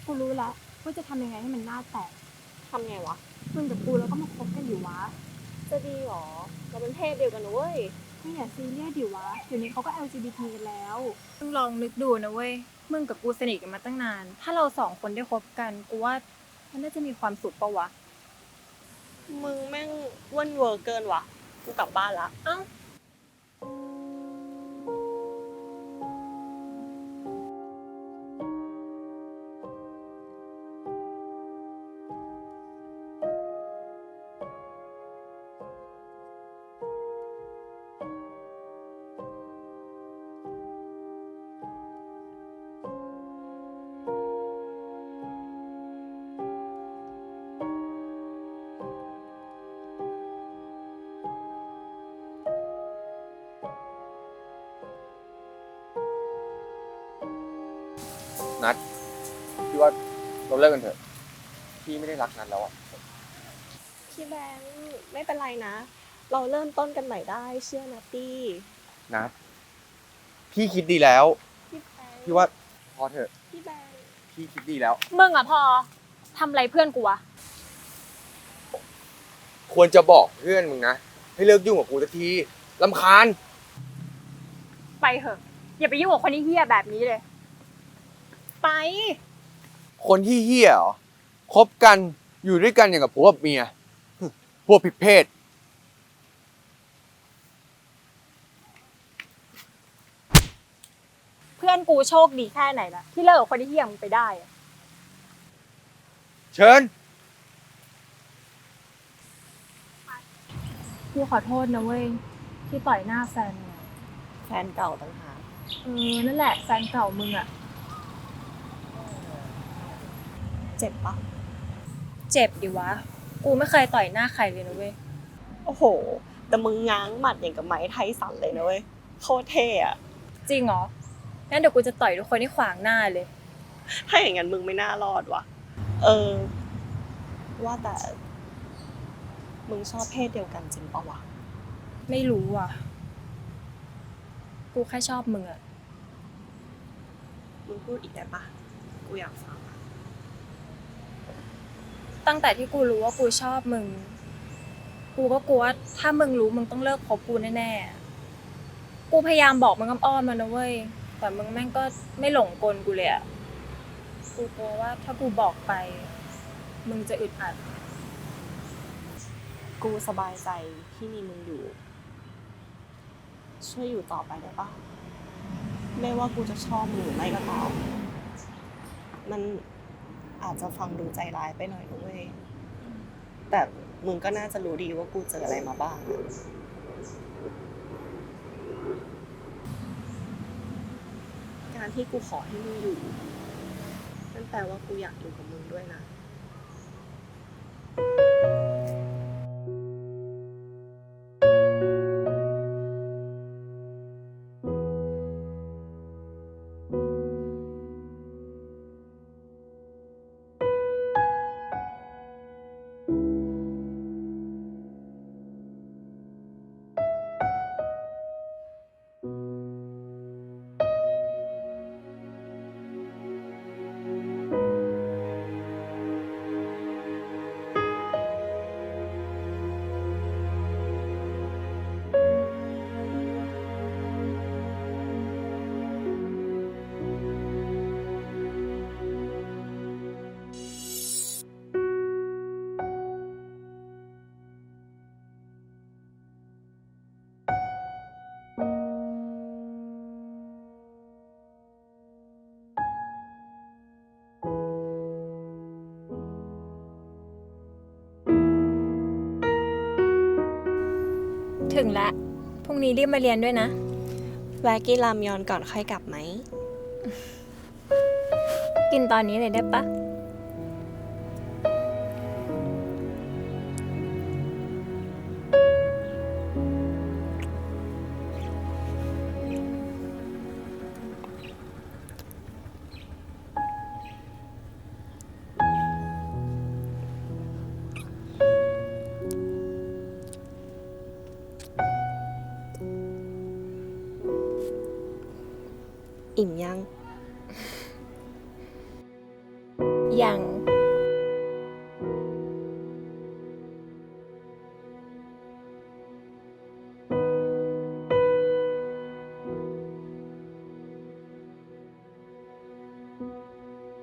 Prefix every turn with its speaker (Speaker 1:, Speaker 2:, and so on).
Speaker 1: กูรู้ละว่าจะทำยังไงให้มันหน้าแตก
Speaker 2: ทำไงวะ
Speaker 1: มึงกับกูแล้วก็มาคบกันอยู่วะ
Speaker 2: จะดีหรอเราเป็นเพศเดียวกันนะเว้ย
Speaker 1: ไม่อย่าซีเรียสดิวะเดี๋ยวนี้เขาก็ LGBT กันแล้ว
Speaker 3: มึงลองนึกดูนะเว้ยมึงกับกูสนิทกันมาตั้งนานถ้าเรา2 คนได้คบกันกูว่ามันน่าจะมีความสุขปะวะ
Speaker 2: มึงแม่งอ้วนเวอร์เกินวะกูกลับบ้านละ
Speaker 3: เอ้า
Speaker 4: นัดพี่ว่าเราเลิกกันเถอะพี่ไม่ได้รักนัดแล้วอ่ะ
Speaker 2: พี่แบงค์ไม่เป็นไรนะ เราเริ่มต้นกันใหม่ได้เชื่อนะตี้
Speaker 4: นัดพี่คิดดีแล้ว
Speaker 2: พี่แบงค์
Speaker 4: พี่ว่าพอเถอะ
Speaker 2: พี่แบงค์
Speaker 4: พี่คิดดีแล้ว
Speaker 3: มึงอะพอทำอะไรเพื่อนกูวะ
Speaker 4: ควรจะบอกเพื่อนมึงนะให้เลิกยุ่งกับกูสักทีรำคาญ
Speaker 3: ไปเถอะอย่าไปยุ่งกับคนที่เหี้ยแบบนี้เลยไป
Speaker 4: คนที่เหี้ยเหรอคบกันอยู่ด้วยกันอย่างกับผัวกับเมียพวกผิดเพศ
Speaker 3: เพื่อนกูโชคดีแค่ไหนล่ะที่เลิกกับคนที่เหี้ยมึงไปได้อะ
Speaker 4: เชิญ
Speaker 3: กูขอโทษนะเว้ยที่ต่อยหน้าแฟนมึง
Speaker 2: แฟนเก่าต่างหาก
Speaker 3: นั่นแหละแฟนเก่ามึงอะ
Speaker 2: เจ็บปะ
Speaker 3: เจ็บดิวะกูไม่เคยต่อยหน้าใครเลยนะเว้ย
Speaker 2: โอ้โหแต่มึงง้างหมัดอย่างกับไม้ไทสันเลยนะเว้ยโคตรเท่อะ
Speaker 3: จริงเหรองั้นเดี๋ยวกูจะต่อยทุกคนที่ขวางหน้าเลย
Speaker 2: ถ้าอย่างนั้นมึงไม่น่ารอดว่ะว่าแต่มึงชอบเพศเดียวกันจริงปะวะ
Speaker 3: ไม่รู้อ่ะกูแค่ชอบมึงอะ
Speaker 2: มึงพูดอีกได้ปะกูอยากฟัง
Speaker 3: ตั้งแต่ที่กูรู้ว่ากูชอบมึงกูก็กลัวว่าถ้ามึงรู้มึงต้องเลิกคบกูแน่ๆกูพยายามบอกมึงอ้อมๆแล้วนะเว้ยแต่มึงแม่งก็ไม่หลงกลกูเลยอะกูกลัวว่าถ้ากูบอกไปมึงจะอึดอัด
Speaker 2: กูสบายใจที่มีมึงอยู่ช่วยอยู่ต่อไปได้ปะไม่ว่ากูจะชอบมึงหรือไม่ก็ตามมันอาจจะฟังดูใจร้ายไปหน่อยนะเว้ยแต่มึงก็น่าจะรู้ดีว่ากูเจออะไรมาบ้างการที่กูขอให้มึงอยู่นั่นแปลว่ากูอยากอยู่กับมึงด้วยนะ
Speaker 3: ถึงแล้วพรุ่งนี้รีบมาเรียนด้วยนะ
Speaker 2: แวะกินรามยอนก่อนค่อยกลับไหม
Speaker 3: กินตอนนี้เลยได้ปะ
Speaker 2: อิ่มยัง
Speaker 3: อย่าง